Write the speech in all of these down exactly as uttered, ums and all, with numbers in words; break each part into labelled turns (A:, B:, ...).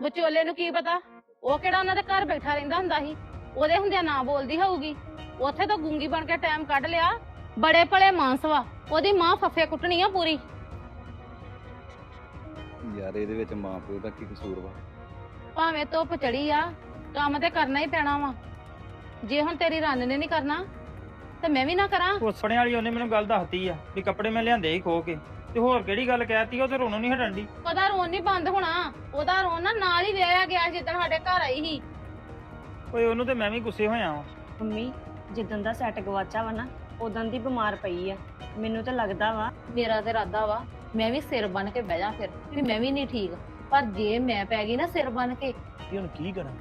A: ਵਿਚੋਲੇ ਨੂੰ ਕੀ ਪਤਾ ਉਹ ਕਿਹੜਾ ਉਹਨਾਂ ਦੇ ਘਰ ਬੈਠਾ ਰਹਿੰਦਾ ਹੁੰਦਾ ਸੀ। ਉਹਦੇ ਹੁੰਦਿਆਂ ਨਾ ਬੋਲਦੀ ਹੋਊਗੀ। ਉੱਥੇ ਤਾਂ ਗੂੰਗੀ ਬਣ ਕੇ ਟਾਈਮ ਕੱਢ ਲਿਆ। ਬੜੇ ਭਲੇ ਮਾਨਸ ਵਾ, ਉਹਦੀ ਮਾਂ ਫੱਫੇ ਕੁੱਟਣੀ ਆ ਪੂਰੀ।
B: ਯਾਰ ਇਹਦੇ ਵਿੱਚ ਮਾਂ ਪਿਓ ਦਾ ਕੀ ਕਸੂਰ ਵਾ?
A: ਭਾਵੇਂ ਧੁੱਪ ਚੜੀ ਆ, ਕੰਮ ਤੇ ਕਰਨਾ ਹੀ ਪੈਣਾ ਵਾ। ਜੇ ਹੁਣ ਤੇਰੀ ਰੰਨ ਨੇ ਨਹੀਂ ਕਰਨਾ ਤੇ ਮੈਂ ਵੀ ਨਾ ਕਰਾਂ।
C: ਉਸਣੇ ਵਾਲੀ ਉਹਨੇ ਮੈਨੂੰ ਗੱਲ ਦੱਸਤੀ ਆ ਵੀ ਕੱਪੜੇ ਮੈਂ ਲਿਆਂਦੇ ਹੀ ਖੋ ਕੇ, ਤੇ ਹੋਰ ਕਿਹੜੀ ਗੱਲ ਕਹਿਤੀ? ਉਹ ਤੇ ਰੋਣੋਂ ਨਹੀਂ ਹਟਣ ਦੀ।
A: ਉਹਦਾ ਰੋਣ ਨਹੀਂ ਬੰਦ ਹੋਣਾ। ਉਹਦਾ ਰੋਣ ਨਾ ਨਾਲ ਹੀ ਵਿਆਹਿਆ ਗਿਆ ਜਿੱਦਣ ਸਾਡੇ ਘਰ ਆਈ ਸੀ।
C: ਓਏ ਉਹਨੂੰ ਤੇ ਮੈਂ ਵੀ ਗੁੱਸੇ ਹੋਇਆ ਵਾਂ।
D: ਮੰਮੀ ਜਿੱਦਣ ਦਾ ਸੈੱਟ ਗਵਾਚਾ ਵਾ ਨਾ ਉਦੋਂ ਦੀ ਬਿਮਾਰ ਪਈ ਆ। ਮੈਨੂੰ ਤਾਂ ਲੱਗਦਾ ਵਾ
A: ਮੇਰਾ ਤੇ ਇਰਾਦਾ ਵਾ ਮੈਂ ਵੀ ਸਿਰ ਬਨ ਕੇ ਬਹਿ ਜਾ ਫਿਰ ਵੀ ਮੈਂ ਵੀ ਨਹੀਂ ਠੀਕ। ਪਰ ਜੇ ਮੈਂ ਪੈ ਗਈ ਨਾ ਸਿਰ ਬਨ ਕੇ,
E: ਕਿ ਹੁਣ ਕੀ ਕਰਾਂ?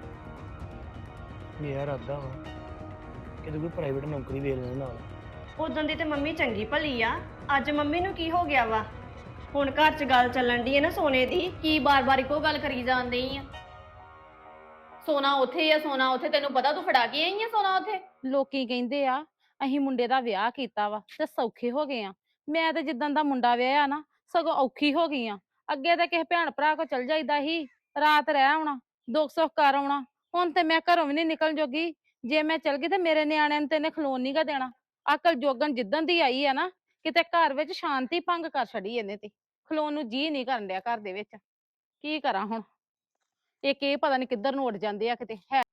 E: ਮੇਰਾ ਇਰਾਦਾ ਵਾ ਕਿ ਤੂੰ ਕੋਈ ਪ੍ਰਾਈਵੇਟ ਨੌਕਰੀ ਵੇਖ ਲੈ ਨਾਲ।
D: ਉਦੋਂ ਦੀ ਤੇ ਮੰਮੀ ਚੰਗੀ ਭਲੀ ਆ, ਅੱਜ ਮੰਮੀ ਨੂੰ ਕੀ ਹੋ ਗਿਆ ਵਾ? ਹੁਣ ਘਰ 'ਚ ਗੱਲ ਚੱਲਣ ਦੀ ਹੈ ਨਾ ਸੋਨੇ ਦੀ।
A: ਕੀ ਬਾਰ-ਬਾਰ ਇੱਕੋ ਗੱਲ ਕਰੀ ਜਾਂਦੀ ਆ? ਸੋਨਾ ਉੱਥੇ ਆ, ਸੋਨਾ ਉੱਥੇ। ਤੈਨੂੰ ਪਤਾ ਤੂੰ ਫੜਾ ਕੇ ਆਈ ਆ ਸੋਨਾ ਉੱਥੇ। ਲੋਕੀ ਕਹਿੰਦੇ ਆ ਅਸੀਂ ਮੁੰਡੇ ਦਾ ਵਿਆਹ ਕੀਤਾ ਵਾ ਤੇ ਸੌਖੇ ਹੋ ਗਏ ਆ। ਮੈਂ ਤੇ ਜਿੱਦਾਂ ਦਾ ਮੁੰਡਾ ਵਿਆਹਿਆ ਨਾ ਸਗੋਂ ਔਖੀ ਹੋ ਗਈ ਆ। ਅੱਗੇ ਤੇ ਕਿਸੇ ਭੈਣ ਭਰਾ ਕੋ ਚਲ ਜਾਈਦਾ ਸੀ, ਰਾਤ ਰਹਿ ਆਉਣਾ, ਦੁੱਖ ਸੁੱਖ ਕਰ ਆਉਣਾ। ਹੁਣ ਤੇ ਮੈਂ ਘਰੋਂ ਵੀ ਨਹੀਂ ਨਿਕਲਣ ਜੋਗੀ। ਜੇ ਮੈਂ ਚਲ ਗਈ ਤੇ ਮੇਰੇ ਨਿਆਣਿਆਂ ਨੂੰ ਤੇ ਇਹਨੇ ਖਲੋਣ ਨੀ ਗਾ ਦੇਣਾ। ਅਕਲ ਜੋਗਣ ਜਿੱਦਣ ਦੀ ਆਈ ਆ ਨਾ, ਕਿਤੇ ਘਰ ਵਿੱਚ ਸ਼ਾਂਤੀ ਭੰਗ ਕਰ ਛੱਡੀ ਇਹਨੇ ਤੇ। ਖਲੋਣ ਨੂੰ ਜੀ ਨਹੀਂ ਕਰਨ ਡਿਆ ਘਰ ਦੇ ਵਿੱਚ। ਕੀ ਕਰਾਂ ਹੁਣ? ਇੱਕ ਇਹ ਪਤਾ ਨਹੀਂ ਕਿੱਧਰ ਨੂੰ ਉੱਡ ਜਾਂਦੇ ਆ ਕਿਤੇ। ਹੈ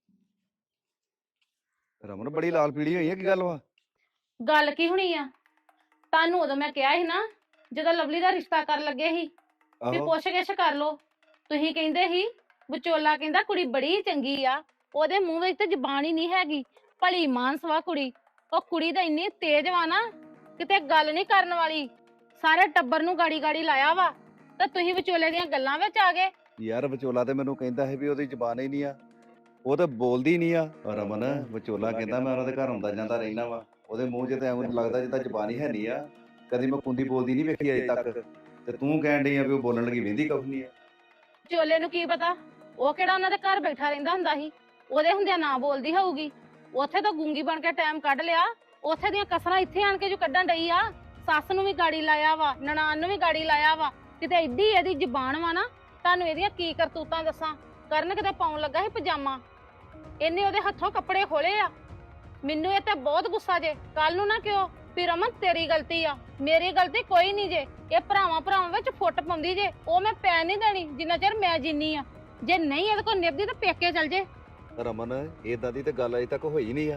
B: ਰਮਨ ਬੜੀ ਲਾਲ ਪੀੜੀ ਹੋਈ ਹੈ, ਕੀ ਗੱਲ ਵਾ?
A: ਗੱਲ ਕੀ ਹੋਣੀ ਆ? ਤੁਹਾਨੂੰ ਉਦੋਂ ਮੈਂ ਕਿਹਾ ਸੀ ਨਾ ਜਦੋਂ ਲਵਲੀ ਦਾ ਰਿਸ਼ਤਾ ਕਰਨ ਲੱਗੇ ਸੀ ਵੀ
B: ਆਹੋ
A: ਪੁੱਛ ਗਿੱਛ ਕਰ ਲੋ। ਤੁਸੀਂ ਕਹਿੰਦੇ ਸੀ ਵਿਚੋਲਾ ਕਹਿੰਦਾ ਕੁੜੀ ਬੜੀ ਚੰਗੀ ਆ, ਉਹਦੇ ਮੂੰਹ ਵਿੱਚ ਤੇ ਜ਼ਬਾਨ ਹੀ ਨਹੀਂ ਹੈਗੀ। ਭਲੀ ਮਾਨਸ ਵਾ ਕੁੜੀ। ਉਹ ਕੁੜੀ ਤਾਂ ਇੰਨੀ ਤੇਜ਼ ਵਾ ਨਾ ਕਿਤੇ ਗੱਲ ਨਹੀਂ ਕਰਨ ਵਾਲੀ। ਸਾਰੇ ਟੱਬਰ ਨੂੰ ਗਾੜੀ ਗਾੜੀ ਲਾਇਆ ਵਾ ਤੇ ਤੁਸੀਂ ਵਿਚੋਲੇ ਦੀਆਂ ਗੱਲਾਂ ਵਿੱਚ ਆ ਗਏ।
B: ਯਾਰ ਵਿਚੋਲਾ ਤੇ ਮੈਨੂੰ ਕਹਿੰਦਾ ਹੈ ਵੀ ਉਹਦੀ ਜ਼ਬਾਨ ਹੀ ਨਹੀਂ ਆ, ਉਹ ਤਾਂ ਬੋਲਦੀ ਨਹੀਂ ਆ। ਰਮਨ ਵਿਚੋਲਾ ਕਹਿੰਦਾ ਮੈਂ ਉਹਨਾਂ ਦੇ ਘਰ ਆਉਂਦਾ ਜਾਂਦਾ ਰਹਿਣਾ ਵਾ, ਉਹਦੇ ਮੂੰਹ 'ਚ ਤਾਂ ਐਵੇਂ ਲੱਗਦਾ ਜਿੱਦਾਂ ਜ਼ਬਾਨ ਹੀ ਹੈ ਨਹੀਂ ਆ। ਕਦੀ ਮੈਂ ਕੁੰਦੀ ਬੋਲਦੀ ਨਹੀਂ ਵੇਖੀ ਅਜੇ ਤੱਕ, ਤੇ ਤੂੰ ਕਹਿਣ ਡਈ ਆ ਵੀ ਉਹ ਬੋਲਣ ਲੱਗੀ ਵਹਿੰਦੀ ਕੁਛ ਨਹੀਂ ਆ।
A: ਵਿਚੋਲੇ ਨੂੰ ਕੀ ਪਤਾ ਉਹ ਕਿਹੜਾ ਉਹਨਾਂ ਦੇ ਘਰ ਬੈਠਾ ਰਹਿੰਦਾ ਹੁੰਦਾ ਸੀ। ਉਹਦੇ ਹੁੰਦਿਆਂ ਨਾ ਬੋਲਦੀ ਹੋਊਗੀ। ਉੱਥੇ ਤਾਂ ਗੂੰਗੀ ਬਣ ਕੇ ਟਾਈਮ ਕੱਢ ਲਿਆ। ਉੱਥੇ ਦੀਆਂ ਕਸਰਾਂ ਇੱਥੇ ਆਣ ਕੇ ਜੋ ਕੱਢਣ ਡਈ ਆ। ਸੱਸ ਨੂੰ ਵੀ ਗਾੜੀ ਲਾਇਆ ਵਾ, ਨਨਾਣ ਨੂੰ ਵੀ ਗਾੜੀ ਲਾਇਆ ਵਾ। ਕਿਤੇ ਐਡੀ ਇਹਦੀ ਜ਼ਬਾਨ ਵਾ ਨਾ, ਤੁਹਾਨੂੰ ਇਹਦੀਆਂ ਕੀ ਕਰਤੂਤਾਂ ਦੱਸਾਂ। ਕਰਨ ਕਿਤੇ ਪਾਉਣ ਲੱਗਾ ਸੀ ਪਜਾਮਾ, ਇਹਨੇ ਉਹਦੇ ਹੱਥੋਂ ਕੱਪੜੇ ਖੋਲੇ ਆ। ਮੈਨੂੰ ਇਹ ਤੇ ਬਹੁਤ ਗੁੱਸਾ ਜੇ। ਕੱਲ ਨੂੰ ਨਾ ਕਿਉਂ ਵੀ ਰਮਨ ਤੇਰੀ ਗਲਤੀ ਆ, ਮੇਰੀ ਗਲਤੀ ਕੋਈ ਨਹੀਂ ਜੇ। ਇਹ ਭਰਾਵਾਂ ਭਰਾਵਾਂ ਵਿੱਚ ਫੁੱਟ ਪਾਉਂਦੀ ਜੇ, ਉਹ ਮੈਂ ਪੈ ਨਹੀਂ ਦੇਣੀ ਜਿੰਨਾ ਚਿਰ ਮੈਂ ਜਿੰਨੀ ਆ। ਜੇ ਨਹੀਂ ਇਹਦੇ ਕੋਲ ਨਿਭਦੀ ਤਾਂ ਪੇਕੇ ਚਲ ਜੇ।
B: ਰਮਨ ਏਦਾਂ ਦੀ ਤੇ ਗੱਲ ਅਜੇ ਤੱਕ ਹੋਈ ਨਹੀਂ ਆ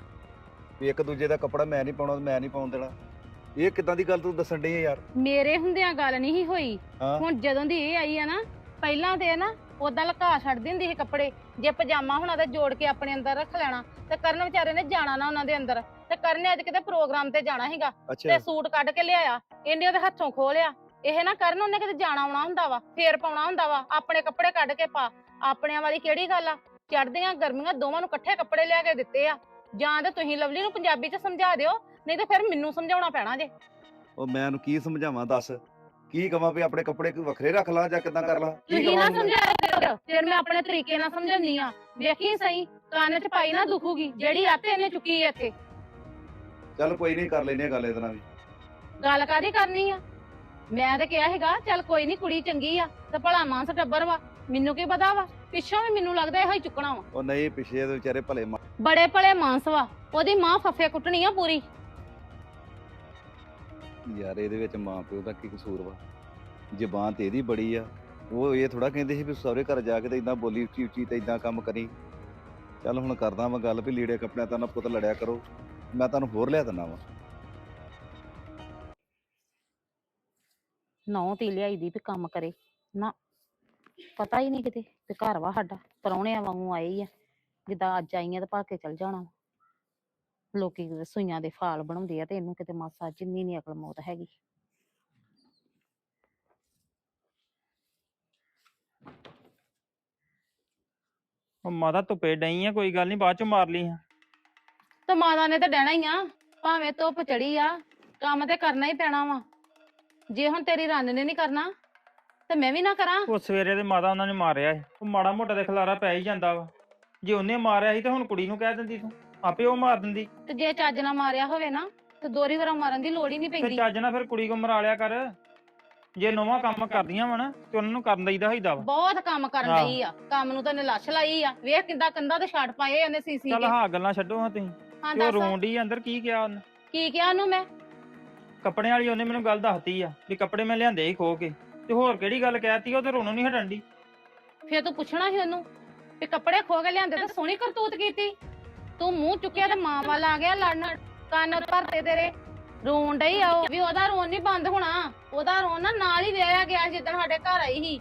B: ਵੀ ਇੱਕ ਦੂਜੇ ਦਾ ਕੱਪੜਾ ਮੈਂ ਨਹੀਂ ਪਾਉਣਾ, ਮੈਂ ਨਹੀਂ ਪਾਉਣ ਦੇਣਾ। ਇਹ ਕਿੱਦਾਂ ਦੀ ਗੱਲ ਤੂੰ ਦੱਸਣ ਡਈ ਆ ਯਾਰ?
A: ਮੇਰੇ ਹੁੰਦਿਆਂ ਗੱਲ ਨਹੀਂ ਹੋਈ।
B: ਹਾਂ
A: ਹੁਣ ਜਦੋਂ ਦੀ ਇਹ ਆਈ ਆ ਨਾ, ਪਹਿਲਾਂ ਤੇ ਨਾ ਉਦਾਂ ਲੁਕਾ ਛੱਡਦੀ ਹੁੰਦੀ ਸੀ ਕੱਪੜੇ। ਜੇ ਪਜਾਮਾ ਹੋਣਾ ਤਾਂ ਜੋੜ ਕੇ ਆਪਣੇ ਅੰਦਰ ਰੱਖ ਲੈਣਾ। ਤੇ ਕਰਨ ਵਿਚਾਰੇ ਨੇ ਜਾਣਾ ਨਾ ਉਹਨਾਂ ਦੇ ਅੰਦਰ। ਤੇ ਕਰਨ ਨੇ ਅੱਜ ਕਿਤੇ ਪ੍ਰੋਗਰਾਮ ਤੇ ਜਾਣਾ ਸੀਗਾ
B: ਅੱਛਾ
A: ਤੇ ਸੂਟ ਕੱਢ ਕੇ ਲਿਆਇਆ, ਇਹਨੇ ਉਹਦੇ ਹੱਥੋਂ ਖੋਹ ਲਿਆ। ਇਹ ਨਾ ਕਰਨ ਉਹਨੇ ਕਿਤੇ ਜਾਣਾ ਆਉਣਾ ਹੁੰਦਾ ਵਾ, ਫੇਰ ਪਾਉਣਾ ਹੁੰਦਾ ਵਾ। ਆਪਣੇ ਕੱਪੜੇ ਕੱਢ ਕੇ ਪਾ। ਆਪਣਿਆਂ ਵਾਲੀ ਕਿਹੜੀ ਗੱਲ ਆ? ਚੜ੍ਹਦੀਆਂ ਗਰਮੀਆਂ ਦੋਵਾਂ ਨੂੰ ਇਕੱਠੇ ਕੱਪੜੇ ਲਿਆ ਕੇ ਦਿੱਤੇ ਆ। ਜਾਂ ਤੇ ਤੁਸੀਂ ਲਵਲੀ ਨੂੰ ਪੰਜਾਬੀ ਚ ਸਮਝਾ ਦਿਓ, ਨਹੀਂ ਤੇ ਫਿਰ ਮੈਨੂੰ ਸਮਝਾਉਣਾ ਪੈਣਾ ਜੇ।
B: ਉਹ ਮੈਂ ਉਹਨੂੰ ਕੀ ਸਮਝਾਵਾਂ ਦੱਸ? ਕੀ ਕਵਾਂ ਵੀ ਆਪਣੇ ਕੱਪੜੇ ਕੋਈ ਵੱਖਰੇ ਰੱਖ ਲਾ ਜਾਂ ਕਿੱਦਾਂ ਕਰ ਲਾ? ਕੀ
A: ਤੁਸੀਂ ਨਾ
B: ਕਵਾਂ ਉਹਨੂੰ?
A: ਸਮਝਾਇਆ ਕਰੋ, ਫਿਰ ਮੈਂ ਆਪਣੇ ਤਰੀਕੇ ਨਾਲ ਸਮਝਾਉਂਦੀ ਆ। ਵੇਖੀ ਸਹੀ ਕੰਨ ਚ ਪਾਈ ਨਾ ਦੁਖੂਗੀ ਜਿਹੜੀ ਆਤੇ ਇਹਨੇ ਚੁੱਕੀ ਐ ਇੱਥੇ।
B: ਚੱਲ ਕੋਈ ਨਹੀਂ, ਕਰ ਲੈਨੇ ਆ ਗੱਲ ਇਹਦੇ ਨਾਲ ਵੀ।
A: ਗੱਲ ਕਾਹਦੀ ਕਰਨੀ ਆ? ਮੈਂ ਤੇ ਕਿਹਾ ਸੀਗਾ ਚੱਲ ਕੋਈ ਨਹੀਂ ਕੁੜੀ ਚੰਗੀ ਆ ਤੇ ਭਲਾ ਮਾਨਸ ਟੱਬਰ ਵਾ। ਮੈਨੂੰ ਕੀ ਪਤਾ ਵਾ ਪਿੱਛੋਂ ਵੀ ਮੈਨੂੰ ਲੱਗਦਾ ਇਹੋ ਹੀ ਚੁੱਕਣਾ ਵਾ।
B: ਉਹ ਨਹੀਂ, ਪਿੱਛੇ ਦੇ ਵਿਚਾਰੇ ਭਲੇ ਮਾਂ-
A: ਬੜੇ ਭਲੇ ਮਾਨਸ ਵਾ, ਉਹਦੀ ਮਾਂ ਫੱਫੇ ਕੁੱਟਣੀ ਆ ਪੂਰੀ।
B: ਯਾਰ ਇਹਦੇ ਵਿੱਚ ਮਾਂ ਪਿਓ ਦਾ ਕੀ ਕਸੂਰ ਵਾ? ਜ਼ਬਾਨ ਤੇ ਇਹਦੀ ਬੜੀ ਆ। ਉਹ ਇਹ ਥੋੜਾ ਕਹਿੰਦੇ ਸੀ ਵੀ ਸਹੁਰੇ ਘਰ ਜਾ ਕੇ ਤੇ ਇਦਾਂ ਬੋਲੀ ਉੱਚੀ ਉੱਚੀ ਤੇ ਇਦਾਂ ਕੰਮ ਕਰੀ। ਚੱਲ ਹੁਣ ਕਰਦਾ ਮੈਂ ਗੱਲ ਵੀ ਲੀੜੇ ਕੱਪੜਿਆਂ ਤਾਂ ਨਾ ਪੁੱਤ ਲੜਿਆ ਕਰੋ, ਮੈਂ ਤੁਹਾਨੂੰ ਹੋਰ ਲਿਆ ਦਿੰਦਾ ਵਾ।
A: ਨੌ ਤੀ ਲਿਆਈ ਦੀ ਵੀ ਕੰਮ ਕਰੇ ਨਾ, ਪਤਾ ਹੀ ਨਹੀਂ ਕਿਤੇ ਤੇ ਘਰ ਵਾ ਸਾਡਾ ਪ੍ਰਾਹੁਣਿਆਂ ਵਾਂਗੂ ਆਏ ਆ। ਜਿੱਦਾਂ ਅੱਜ ਆਈਆਂ ਤੇ ਭਾ ਕੇ ਚਲ ਜਾਣਾ। ਲੋਕੀ ਕਿਤੇ ਸੂਈਆਂ ਦੇ ਫਾਲ ਬਣਾਉਂਦੇ ਆ ਤੇ ਇਹਨੂੰ ਕਿਤੇ ਮਾਸਾ ਜਿੰਨੀ ਨੀ ਅਕਲ ਮੌਤ ਹੈਗੀ।
C: ਉਹ ਮਾਤਾ ਧੁੱਪੇ ਡਈ ਆ, ਕੋਈ ਗੱਲ ਨਹੀਂ ਬਾਅਦ ਚ ਮਾਰ ਲਈ ਆ।
A: ਤੇ ਮਾਤਾ ਨੇ ਤਾਂ ਡਹਿਣਾ ਹੀ ਆ, ਭਾਵੇਂ ਧੁੱਪ ਚੜੀ ਆ, ਕੰਮ ਤੇ ਕਰਨਾ ਹੀ ਪੈਣਾ ਵਾ। ਜੇ ਹੁਣ ਤੇਰੀ ਰੰਨ ਨੇ ਨਹੀਂ ਕਰਨਾ ਤੇ ਮੈਂ ਵੀ ਨਾ ਕਰਾਂ।
C: ਉਹ ਸਵੇਰੇ ਦੇ ਮਾਤਾ ਉਹਨਾਂ ਨੇ ਮਾਰਿਆ ਸੀ, ਉਹ ਮਾੜਾ ਮੋਟਾ ਦੇ ਖਲਾਰਾ ਪੈ ਹੀ ਜਾਂਦਾ ਵਾ। ਜੇ ਉਹਨੇ ਮਾਰਿਆ ਸੀ ਤੇ ਹੁਣ ਕੁੜੀ ਨੂੰ ਕਹਿ ਦਿੰਦੀ, ਤੂੰ ਆਪੇ ਉਹ ਮਾਰ ਦਿੰਦੀ।
A: ਤੇ ਜੇ ਚੱਜ ਨਾਲ ਮਾਰਿਆ ਹੋਵੇ ਨਾ ਤੇ ਦੋਰੀ ਵਾਰਾ ਮਾਰਨ ਦੀ ਲੋੜ ਹੀ ਨਹੀਂ
C: ਫਿਰ
A: ਪੈਂਦੀ।
C: ਚੱਜ ਨਾਲ ਫਿਰ ਕੁੜੀ ਕੋ ਮਰਾ ਲਿਆ ਕਰ। ਜੇ ਨਵਾਂ ਕੰਮ ਕਰਦੀਆਂ ਵਾ ਨਾ ਤੇ ਉਹਨਾਂ ਨੂੰ ਕਰਨ ਦਈਦਾ ਹੋਈਦਾ ਵਾ।
A: ਬਹੁਤ ਕੰਮ ਕਰਨ
C: ਆਹ।
A: ਲਈ ਆ, ਕੰਮ ਨੂੰ ਤਾਂ ਇਹਨੇ ਲੱਛ ਲਾਈ ਆ। ਵੇਖ ਕਿੱਦਾਂ ਕੰਧਾਂ ਤੇ ਛੱਡ ਪਾਏ ਉਹਨੇ ਸੀਸੀ
C: ਚੱਲ
A: ਕੇ।
C: ਹਾਂ ਗੱਲਾਂ ਛੱਡੋ ਹਾਂ ਤੁਸੀਂ।
A: ਹਾਂ
C: ਤੇ ਉਹ
A: ਦੱਸ
C: ਰੋਣ ਡਈ ਅੰਦਰ, ਕੀ ਕਿਹਾ ਉਹਨੇ?
A: ਕੀ ਕਿਹਾ ਉਹਨੂੰ ਮੈਂ?
C: ਕੱਪੜਿਆਂ ਵਾਲੀ ਉਹਨੇ ਮੈਨੂੰ ਗੱਲ ਦੱਸਤੀ ਆ ਵੀ ਕੱਪੜੇ ਮੈਂ ਲਿਆਂਦੇ ਹੀ ਖੋ ਕੇ, ਤੇ ਹੋਰ ਕਿਹੜੀ ਗੱਲ ਕਹਿਤੀ? ਉਹ ਤੇ ਰੋਣੋਂ ਨਹੀਂ ਹਟਣ ਡਈ।
A: ਫੇਰ ਤੂੰ ਪੁੱਛਣਾ ਸੀ ਉਹਨੂੰ ਵੀ ਕੱਪੜੇ ਖੋ ਕੇ ਲਿਆਂਦੇ ਤਾਂ ਸੋਹਣੀ ਕਰਤੂਤ ਕੀਤੀ। ਤੂੰ ਮੂੰਹ ਚੁੱਕਿਆ ਤੇ ਮਾਂ ਵੱਲ ਆ ਗਿਆ ਲੜਨ, ਕੰਨ ਭਰਤੇ ਤੇਰੇ। ਰੋਣ ਡਈ ਆ ਉਹ ਵੀ, ਉਹਦਾ ਰੋਣ ਨਹੀਂ ਬੰਦ ਹੋਣਾ। ਉਹਦਾ ਰੋਣ ਨਾ ਨਾਲ ਹੀ ਵਿਆਹਿਆ ਗਿਆ ਜਿੱਦਣ ਸਾਡੇ ਘਰ ਆਈ ਸੀ।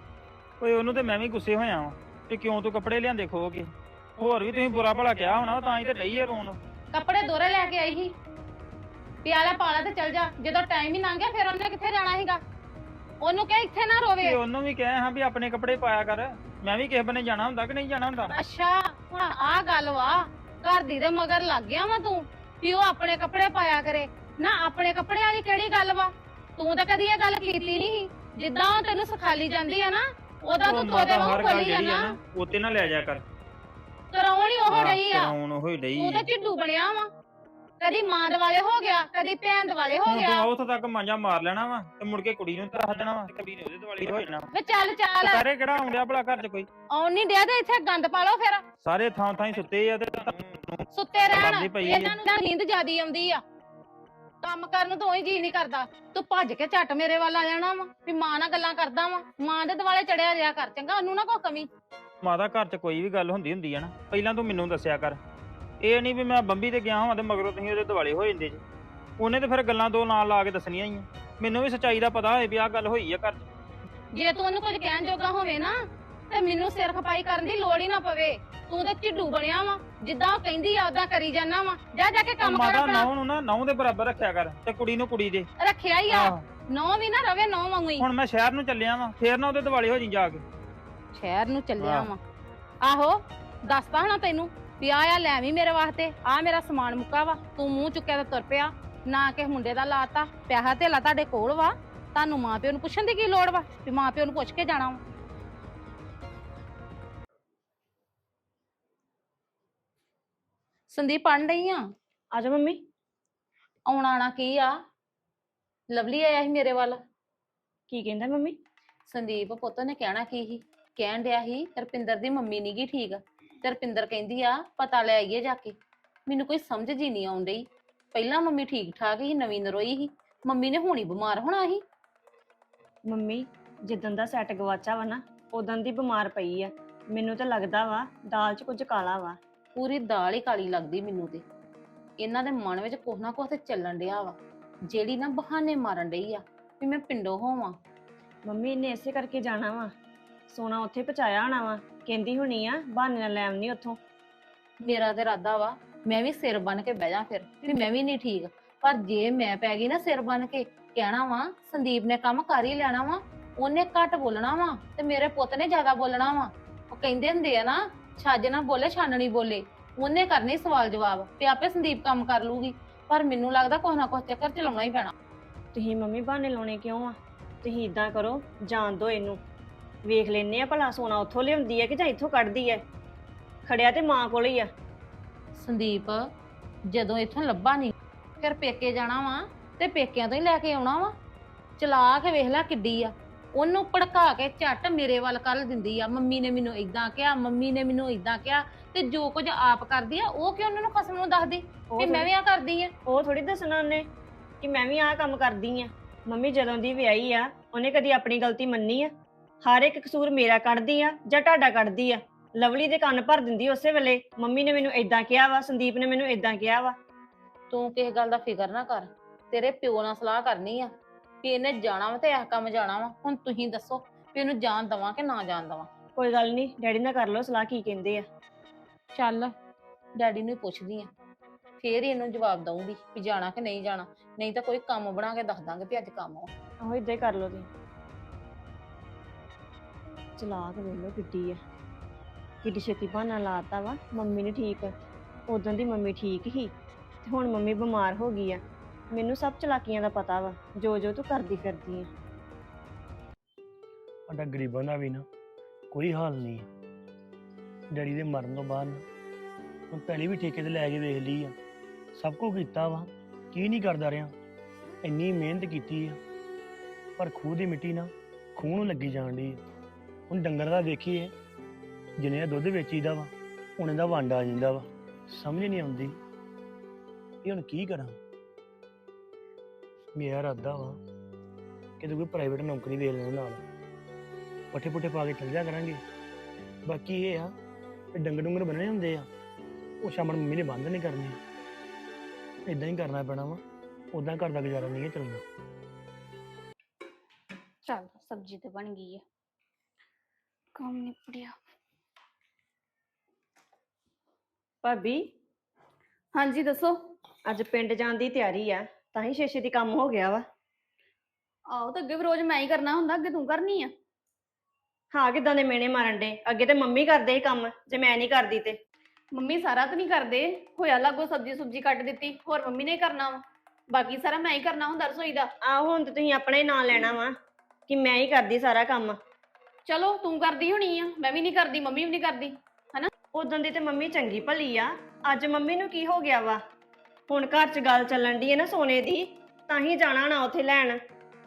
C: ਓਏ ਉਹਨੂੰ ਤੇ ਮੈਂ ਵੀ ਗੁੱਸੇ ਹੋਇਆ ਵਾਂ ਕਿ ਕਿਉਂ ਤੂੰ ਕੱਪੜੇ ਲਿਆਂਦੇ ਖੋ ਕੇ। ਹੋਰ ਵੀ ਤੁਸੀਂ ਬੁਰਾ ਭਲਾ ਕਿਹਾ ਹੋਣਾ, ਤਾਂ ਹੀ ਤੇ ਡਈ ਆ ਰੋਣ।
A: ਕੱਪੜੇ ਦੋਰੇ ਲੈ ਕੇ ਆਈ ਸੀ, ਪਿਆਲਾ ਪਾਲਾ ਤੇ ਚਲ ਜਾ। ਜਦੋਂ ਟਾਈਮ ਹੀ ਲੰਘ ਗਿਆ ਫਿਰ ਉਹਨੇ ਕਿੱਥੇ ਜਾਣਾ ਸੀਗਾ? ਉਹਨੂੰ ਕਹਿ ਇੱਥੇ ਨਾ ਰੋਵੇ।
C: ਤੇ ਉਹਨੂੰ ਵੀ ਕਹਿ ਹਾਂ ਵੀ ਆਪਣੇ ਕੱਪੜੇ ਪਾਇਆ ਕਰ, ਮੈਂ ਵੀ ਕਿਸੇ ਬੰਨੇ ਜਾਣਾ ਹੁੰਦਾ ਕਿ ਨਹੀਂ ਜਾਣਾ ਹੁੰਦਾ।
A: ਅੱਛਾ ਹੁਣ ਆਹ ਗੱਲ ਵਾ, ਘਰ ਦੀ ਦੇ ਮਗਰ ਲੱਗ ਗਿਆ ਵਾ ਤੂੰ ਵੀ ਉਹ ਆਪਣੇ ਕੱਪੜੇ ਪਾਇਆ ਕਰੇ। ਨਾ ਆਪਣੇ ਕੱਪੜੇ ਵਾਲੀ ਕਿਹੜੀ ਗੱਲ ਵਾ? ਤੂੰ ਤਾਂ ਕਦੀ ਇਹ ਗੱਲ ਕੀਤੀ ਨਹੀਂ। ਜਿੱਦਾਂ ਉਹ ਤੈਨੂੰ ਸਿਖਾਲੀ ਜਾਂਦੀ ਆ ਨਾ, ਉਹਦਾ
C: ਉਹ
A: ਤੂੰ
C: ਮਾਤਾ
A: ਤੋਦੇ ਵਾਂਗ
C: ਹਰ ਗੱਲ
A: ਖੋਲੀ ਆ
C: ਜਿਹੜੀ ਆ
A: ਨਾ।
C: ਨਾ ਉੱਤੇ ਨਾ ਲੈ ਜਾ ਕਰ।
A: ਕਰਾਉਣ ਹੀ ਉਹ ਡਈ ਆ।
C: ਕਰਾਉਣ ਉਹ ਹੀ ਡਈ
A: ਤੂੰ
C: ਆ।
A: ਤਾਂ ਝਿੱਡੂ ਬਣਿਆ ਵਾ, ਕਦੀ ਮਾਂ ਦੁਆਲੇ ਹੋ ਗਿਆ, ਕਦੀ ਭੈਣ ਦੁਆਲੇ ਹੋ
C: ਹੁਣ
A: ਗਿਆ।
C: ਤੂੰ ਉੱਥੇ ਤੱਕ ਮਾਂਜਾ ਮਾਰ ਲੈਣਾ ਵਾ ਤੇ ਮੁੜ ਕੇ ਕੁੜੀ ਨੂੰ ਤਾਂ ਦੇਣਾ ਵਾ, ਤੇ ਕੁੜੀ ਨੇ ਉਹਦੇ ਦੁਆਲੇ ਹੋ ਜਾਣਾ।
A: ਵੇ ਚੱਲ ਚੱਲ,
C: ਸਾਰੇ ਕਿਹੜਾ ਆਉਂਦਿਆ ਭਲਾ ਘਰ 'ਚ ਕੋਈ?
A: ਆਉਣ ਨਹੀਂ ਡਿਆ ਤੇ ਇੱਥੇ ਗੰਦ ਪਾ ਲਓ ਫਿਰ।
C: ਸਾਰੇ ਥਾਂ ਥਾਂ ਹੀ ਸੁੱਤੇ ਆ ਤੇ ਤੁਹਾਨੂੰ
A: ਸੁੱਤੇ ਰਹਿਣ,
C: ਕਰਦੀ ਪਈ ਆ।
A: ਇਹਨਾਂ ਨੂੰ ਤਾਂ ਨੀਂਦ ਜ਼ਿਆਦੀ ਆਉਂਦੀ ਆ। ਕੰਮ ਕਰਨ ਨੂੰ ਤਾਂ ਉਹੀ ਜੀ ਨਹੀਂ ਕਰਦਾ। ਤੂੰ ਭੱਜ ਕੇ ਝੱਟ ਮੇਰੇ ਵੱਲ ਆ ਜਾਣਾ ਵਾ ਵੀ ਮਾਂ ਨਾਲ ਗੱਲਾਂ ਕਰਦਾ ਵਾ। ਮਾਂ ਦੇ ਦੁਆਲੇ ਚੜਿਆ ਰਿਹਾ ਕਰ, ਚੰਗਾ? ਉਹਨੂੰ ਨਾ ਕੋਈ ਕਮੀ।
C: ਮਾਤਾ ਘਰ 'ਚ ਕੋਈ ਵੀ ਗੱਲ ਹੁੰਦੀ ਹੁੰਦੀ ਆ ਨਾ, ਪਹਿਲਾਂ ਤੂੰ ਮੈਨੂੰ ਦੱਸਿਆ ਕਰ। ਇਹ ਨਹੀਂ ਵੀ ਮੈਂ ਬੰਬੀ ਤੇ ਗਿਆ ਹਾਂ ਤੇ ਮਗਰੋਂ ਤੁਸੀਂ ਉਹਦੇ ਦੁਆਲੇ ਹੋ ਜਾਂਦੇ ਜੀ। ਉਹਨੇ ਤੇ ਫਿਰ ਗੱਲਾਂ ਦੋ ਨਾਲ ਲਾ ਕੇ ਦੱਸਣੀਆਂ ਹੀ ਆ। ਮੈਨੂੰ ਵੀ ਸੱਚਾਈ ਦਾ ਪਤਾ ਹੋਏ ਵੀ ਆਹ ਗੱਲ ਹੋਈ ਆ ਘਰ 'ਚ।
A: ਜੇ ਤੂੰ ਉਹਨੂੰ ਕੁਝ ਕਹਿਣ ਜੋਗਾ ਹੋਵੇ ਨਾ ਤੇ ਮੈਨੂੰ ਸਿਰ ਖਪਾਈ ਕਰਨ ਦੀ ਲੋੜ ਹੀ ਨਾ ਪਵੇ। ਤੂੰ ਤੇ ਝਿੱਡੂ ਬਣਿਆ ਵਾ, ਜਿੱਦਾਂ ਉਹ ਕਹਿੰਦੀ ਆ ਉਦਾਂ ਕਰੀ ਜਾਣਾ ਵਾ। ਜਾ ਜਾ ਕੇ ਕੰਮ ਕਰ
C: ਮਾਤਾ
A: ਆਪਣਾ।
C: ਨੌ ਨੂੰ ਨਾ ਨੌ ਦੇ ਬਰਾਬਰ ਰੱਖਿਆ ਕਰ ਤੇ ਕੁੜੀ ਨੂੰ ਕੁੜੀ ਦੇ।
A: ਰੱਖਿਆ ਹੀ ਆ,
C: ਆਹੋ।
A: ਨੌ ਵੀ ਨਾ ਰਵੇ ਨੌ ਵਾਂਗੂ ਹੀ।
C: ਹੁਣ ਮੈਂ ਸ਼ਹਿਰ ਨੂੰ ਚੱਲਿਆ ਵਾਂ, ਫੇਰ ਨਾ ਉਹਦੇ ਦੁਆਲੇ ਹੋ ਜੀ ਜਾ ਕੇ।
A: ਸ਼ਹਿਰ ਨੂੰ ਚੱਲਿਆ
C: ਆਹ।
A: ਵਾ? ਆਹੋ ਦੱਸਤਾ ਹਣਾ ਤੈਨੂੰ ਵੀ ਆ ਆ ਲੈ ਵੀ ਮੇਰੇ ਵਾਸਤੇ, ਆ ਮੇਰਾ ਸਮਾਨ ਮੁੱਕਾ ਵਾ। ਤੂੰ ਮੂੰਹ ਚੁੱਕਿਆ ਤੇ ਤੁਰ ਪਿਆ, ਨਾ ਕਿ ਮੁੰਡੇ ਦਾ ਲਾਤਾ। ਪਿਆਹਾ ਧੇਲਾ ਤੁਹਾਡੇ ਕੋਲ ਵਾ, ਤੁਹਾਨੂੰ ਮਾਂ ਪਿਓ ਨੂੰ ਪੁੱਛਣ ਦੀ ਕੀ ਲੋੜ ਵਾ ਵੀ ਮਾਂ ਪਿਓ ਨੂੰ ਪੁੱਛ ਕੇ ਜਾਣਾ ਵਾ? ਸੰਦੀਪ ਪੜ੍ਹਨ ਡਈ ਆ?
D: ਆ ਜਾ ਮੰਮੀ।
A: ਆਉਣਾ ਆਣਾ ਕੀ ਆ? ਲਵਲੀ ਆਇਆ ਸੀ ਮੇਰੇ ਵੱਲ।
D: ਕੀ ਕਹਿੰਦਾ ਮੰਮੀ?
A: ਸੰਦੀਪ ਪੁੱਤ ਨੇ ਕਹਿਣਾ ਕੀ ਸੀ? ਕਹਿਣ ਡਿਆ ਸੀ ਰਪਿੰਦਰ ਦੀ ਮੰਮੀ ਨੀ ਗੀ ਠੀਕ, ਤੇ ਰਪਿੰਦਰ ਕਹਿੰਦੀ ਆ ਪਤਾ ਲੈ ਆਈਏ ਜਾ ਕੇ। ਮੈਨੂੰ ਕੋਈ ਸਮਝ ਜੀ ਨਹੀਂ ਆਉਣ ਡਈ। ਪਹਿਲਾਂ ਮੰਮੀ ਠੀਕ ਠਾਕ ਸੀ, ਨਵੀਂ ਨਰੋਈ ਸੀ। ਮੰਮੀ ਨੇ ਹੁਣੀ ਬਿਮਾਰ ਹੋਣਾ ਸੀ।
D: ਮੰਮੀ ਜਿੱਦਣ ਦਾ ਸੈੱਟ ਗਵਾਚਾ ਵਾ ਨਾ, ਉਦੋਂ ਦੀ ਬਿਮਾਰ ਪਈ ਆ। ਮੈਨੂੰ ਤਾਂ ਲੱਗਦਾ ਵਾ ਦਾਲ 'ਚ ਕੁਝ ਕਾਲਾ ਵਾ।
A: ਪੂਰੀ ਦਾਲ ਹੀ ਕਾਲੀ ਲੱਗਦੀ ਮੈਨੂੰ ਤੇ। ਇਹਨਾਂ ਦੇ ਮਨ ਵਿੱਚ ਕੁਛ ਨਾ ਕੁਛ ਤੇ ਚੱਲਣ ਡਿਆ ਵਾ, ਜਿਹੜੀ ਨਾ ਬਹਾਨੇ ਮਾਰਨ ਡਈ ਆ ਵੀ ਮੈਂ ਪਿੰਡੋਂ ਹੋਵਾਂ।
D: ਮੰਮੀ ਇਹਨੇ ਇਸੇ ਕਰਕੇ ਜਾਣਾ ਵਾ, ਸੋਨਾ ਉੱਥੇ ਪਹੁੰਚਾਇਆ ਹੋਣਾ ਵਾ। ਕਹਿੰਦੀ ਹੋਣੀ ਆ ਬਹਾਨੇ ਨਾਲ ਲੈ ਆਉਣੀ ਉੱਥੋਂ।
A: ਮੇਰਾ ਤੇ ਇਰਾਦਾ ਵਾ ਮੈਂ ਵੀ ਸਿਰ ਬਨ ਕੇ ਬਹਿ ਜਾ ਫਿਰ ਵੀ ਮੈਂ ਵੀ ਨਹੀਂ ਠੀਕ। ਪਰ ਜੇ ਮੈਂ ਪੈ ਗਈ ਨਾ ਸਿਰ ਬਨ ਕੇ, ਕਹਿਣਾ ਵਾ ਸੰਦੀਪ ਨੇ ਕੰਮ ਕਰ ਹੀ ਲੈਣਾ ਵਾ, ਉਹਨੇ ਘੱਟ ਬੋਲਣਾ ਵਾ ਤੇ ਮੇਰੇ ਪੁੱਤ ਨੇ ਜ਼ਿਆਦਾ ਬੋਲਣਾ ਵਾ। ਉਹ ਕਹਿੰਦੇ ਹੁੰਦੇ ਆ ਨਾ, ਛੱਜ ਨਾ ਬੋਲੇ ਛਾਨਣੀ ਬੋਲੇ। ਉਹਨੇ ਕਰਨੀ ਸਵਾਲ ਜਵਾਬ ਤੇ ਆਪੇ ਸੰਦੀਪ ਕੰਮ ਕਰ ਲੂਗੀ। ਪਰ ਮੈਨੂੰ ਲੱਗਦਾ ਕੁਛ ਨਾ ਕੁਛ ਚੱਕਰ ਚਲਾਉਣਾ ਹੀ ਪੈਣਾ।
D: ਤੁਸੀਂ ਮੰਮੀ ਬਹਾਨੇ ਲਾਉਣੇ ਕਿਉਂ ਆ? ਤੁਸੀਂ ਇਦਾਂ ਕਰੋ, ਜਾਣ ਦਿਓ ਇਹਨੂੰ। ਵੇਖ ਲੈਨੇ ਆ ਭਲਾ ਸੋਨਾ ਉੱਥੋਂ ਲਿਆਉਂਦੀ ਹੈ ਕਿ ਜਾਂ ਇੱਥੋਂ ਕੱਢਦੀ ਹੈ। ਖੜਿਆ ਤੇ ਮਾਂ ਕੋਲ ਹੀ ਆ।
A: ਸੰਦੀਪ ਜਦੋਂ ਇੱਥੋਂ ਲੱਭਾ ਨਹੀਂ, ਫਿਰ ਪੇਕੇ ਜਾਣਾ ਵਾ ਤੇ ਪੇਕਿਆਂ ਤੋਂ ਹੀ ਲੈ ਕੇ ਆਉਣਾ ਵਾ। ਚਲਾ ਕੇ ਵੇਖ ਲੈ ਕਿੱਡੀ ਆ। ਉਹਨੂੰ ਭੜਕਾ ਕੇ ਝੱਟ ਮੇਰੇ ਵੱਲ ਕਰ ਦਿੰਦੀ ਆ। ਮੰਮੀ ਨੇ ਮੈਨੂੰ ਇਦਾਂ ਕਿਹਾ, ਮੰਮੀ ਨੇ ਮੈਨੂੰ ਇਦਾਂ ਕਿਹਾ। ਤੇ ਜੋ ਕੁਝ ਆਪ ਕਰਦੀ ਆ ਉਹ ਕਿਉਂ ਉਹਨਾਂ ਨੂੰ ਖਸਮ ਨੂੰ ਦੱਸਦੀ
D: ਉਹ
A: ਕਿ ਮੈਂ ਵੀ ਆ ਕਰਦੀ ਆ?
D: ਉਹ ਥੋੜੀ ਦੱਸਣਾ ਉਹਨੇ ਕਿ ਮੈਂ ਵੀ ਆਹ ਕੰਮ ਕਰਦੀ ਆ। ਮੰਮੀ ਜਦੋਂ ਦੀ ਵਿਆਹੀ ਆ ਉਹਨੇ ਕਦੀ ਆਪਣੀ ਗਲਤੀ ਮੰਨੀ ਆ? ਹਰ ਇੱਕ ਕਸੂਰ ਮੇਰਾ ਕੱਢਦੀ ਆ ਜਾਂ ਤੁਹਾਡਾ ਕੱਢਦੀ ਆ? ਲਵਲੀ ਦੇ ਕੰਨ ਭਰ ਦਿੰਦੀ ਉਸੇ ਵੇਲੇ, ਮੰਮੀ ਨੇ ਮੈਨੂੰ ਇਦਾਂ ਕਿਹਾ ਵਾ, ਸੰਦੀਪ ਨੇ ਮੈਨੂੰ ਇਦਾਂ ਕਿਹਾ ਵਾ।
A: ਤੂੰ ਕਿਸੇ ਗੱਲ ਦਾ ਫਿਕਰ ਨਾ ਕਰ, ਤੇਰੇ ਪਿਓ ਨਾਲ ਸਲਾਹ ਕਰਨੀ ਆ ਵੀ ਇਹਨੇ ਜਾਣਾ ਵਾ ਤੇ ਇਹ ਕੰਮ ਜਾਣਾ ਵਾ। ਹੁਣ ਤੁਸੀਂ ਦੱਸੋ ਵੀ ਇਹਨੂੰ ਜਾਣ ਦਵਾਂ ਕਿ ਨਾ ਜਾਣ ਦਵਾਂ?
D: ਕੋਈ ਗੱਲ ਨਹੀਂ, ਡੈਡੀ ਨਾਲ ਕਰ ਲਓ ਸਲਾਹ ਕੀ ਕਹਿੰਦੇ ਆ।
A: ਚੱਲ ਡੈਡੀ ਨੂੰ ਹੀ ਪੁੱਛਦੀ ਆ, ਫੇਰ ਹੀ ਇਹਨੂੰ ਜਵਾਬ ਦਊਂਗੀ ਵੀ ਜਾਣਾ ਕਿ ਨਹੀਂ ਜਾਣਾ। ਨਹੀਂ ਤਾਂ ਕੋਈ ਕੰਮ ਬਣਾ ਕੇ ਦੱਸ ਦਾਂਗੇ ਵੀ ਅੱਜ ਕੰਮ ਆ।
D: ਆਹੋ ਇਦਾਂ ਹੀ ਕਰ ਲਓ ਤੁਸੀਂ। ਚਲਾਕ ਵੇਖ ਲਓ ਕਿੱਡੀ ਆ, ਕਿੱਡੀ ਛੇਤੀ ਬਹਾਨਾ ਲਾਤਾ ਵਾ। ਮੰਮੀ ਨੇ ਠੀਕ, ਉਦੋਂ ਦੀ ਮੰਮੀ ਠੀਕ ਹੀ ਤੇ ਹੁਣ ਮੰਮੀ ਬਿਮਾਰ ਹੋ ਗਈ ਆ। ਮੈਨੂੰ ਸਭ ਚਲਾਕੀਆਂ ਦਾ ਪਤਾ ਵਾ, ਜੋ ਜੋ ਤੂੰ ਕਰਦੀ ਫਿਰਦੀ ਆ।
E: ਸਾਡਾ ਗਰੀਬਾਂ ਦਾ ਵੀ ਨਾ ਕੋਈ ਹਾਲ ਨਹੀਂ ਹੈ। ਡੈਡੀ ਦੇ ਮਰਨ ਤੋਂ ਬਾਅਦ ਨਾ ਮੈਂ ਪਹਿਲੀ ਵੀ ਠੇਕੇ ਤੇ ਲੈ ਕੇ ਵੇਖ ਲਈ ਆ, ਸਭ ਕੁਝ ਕੀਤਾ ਵਾ, ਕੀ ਨਹੀਂ ਕਰਦਾ ਰਿਹਾ। ਇੰਨੀ ਮਿਹਨਤ ਕੀਤੀ ਆ, ਪਰ ਖੂਹ ਦੀ ਮਿੱਟੀ ਨਾ ਖੂਹ ਨੂੰ ਲੱਗੀ ਜਾਣ ਡਈ ਆ। ਹੁਣ ਡੰਗਰ ਦਾ ਵੇਖੀਏ, ਜਿੰਨੇ ਦਾ ਦੁੱਧ ਵੇਚੀਦਾ ਵਾ ਉਹਨੇ ਦਾ ਵੰਡ ਆ ਜਾਂਦਾ ਵਾ। ਸਮਝ ਨਹੀਂ ਆਉਂਦੀ ਵੀ ਹੁਣ ਕੀ ਕਰਾਂ। ਮੇਰਾ ਇਰਾਦਾ ਵਾ ਕਿ ਕੋਈ ਪ੍ਰਾਈਵੇਟ ਨੌਕਰੀ ਵੇਖ ਲੈਣ, ਨਾਲ ਪੱਠੇ ਪੁੱਠੇ ਪਾ ਕੇ ਚੱਲ ਜਾ ਕਰਾਂਗੇ। ਬਾਕੀ ਇਹ ਆ ਕਿ ਡੰਗਰ ਡੁੰਗਰ ਬੰਨਣੇ ਹੁੰਦੇ ਆ, ਉਹ ਸ਼ਾਮ ਨੂੰ ਮੰਮੀ ਨੇ ਬੰਦ ਨਹੀਂ ਕਰਨੇ, ਇਦਾਂ ਹੀ ਕਰਨਾ ਪੈਣਾ ਵਾ। ਉਦਾਂ ਘਰ ਦਾ ਗੁਜ਼ਾਰਾ ਨਹੀਂ ਹੈ ਚੱਲਣਾ।
A: ਚੱਲ ਸਬਜ਼ੀ ਤੇ ਬਣ ਗਈ ਹੈ, ਕੰਮ ਨਿਪੜਿਆ।
D: ਭਾਬੀ
A: ਹਾਂਜੀ ਦੱਸੋ।
D: ਅੱਜ ਪਿੰਡ ਜਾਣ ਦੀ ਤਿਆਰੀ ਆ, ਤਾਂ ਹੀ ਛੇ ਦੀ ਕੰਮ ਹੋ ਗਿਆ ਵਾ।
A: ਆਹੋ ਤਾਂ ਅੱਗੇ ਵੀ ਰੋਜ਼ ਮੈਂ ਹੀ ਕਰਨਾ ਹੁੰਦਾ, ਅੱਗੇ ਤੂੰ ਕਰਨੀ ਆ।
D: ਹਾਂ ਕਿਦਾਂ ਦੇ ਮੇਨੇ ਮਾਰਨ ਡੇ, ਅੱਗੇ ਤੇ ਮੰਮੀ ਕਰਦੇ ਸੀ ਕੰਮ, ਜੇ ਮੈਂ ਨਹੀਂ ਕਰਦੀ ਤੇ।
A: ਮੰਮੀ ਸਾਰਾ ਤਾਂ ਨਹੀਂ ਕਰਦੇ, ਹੋਇਆ ਲਾਗੋ ਸਬਜ਼ੀ ਸੁਬਜ਼ੀ ਕੱਟ ਦਿੱਤੀ, ਹੋਰ ਮੰਮੀ ਨੇ ਕਰਨਾ ਵਾ। ਬਾਕੀ ਸਾਰਾ ਮੈਂ ਹੀ ਕਰਨਾ ਹੁੰਦਾ ਰਸੋਈ ਦਾ।
D: ਆਹੋ ਹੁਣ ਤੇ ਤੁਸੀਂ ਆਪਣਾ ਹੀ ਨਾਂ ਲੈਣਾ ਵਾ ਕਿ ਮੈਂ ਹੀ ਕਰਦੀ ਸਾਰਾ ਕੰਮ।
A: ਚਲੋ ਤੂੰ ਕਰਦੀ ਹੋਣੀ ਆ, ਮੈਂ ਵੀ ਨਹੀਂ ਕਰਦੀ, ਮੰਮੀ ਵੀ ਨਹੀਂ ਕਰਦੀ।
D: ਉਦੋਂ ਦੀ ਤੇ ਮੰਮੀ ਚੰਗੀ ਭਲੀ ਆ, ਅੱਜ ਮੰਮੀ ਨੂੰ ਕੀ ਹੋ ਗਿਆ ਵਾ? ਹੁਣ ਘਰ 'ਚ ਗੱਲ ਚੱਲਣ ਦੀ ਹੈ ਨਾ ਸੋਨੇ ਦੀ, ਤਾਂ ਹੀ ਜਾਣਾ ਨਾ ਉੱਥੇ ਲੈਣ।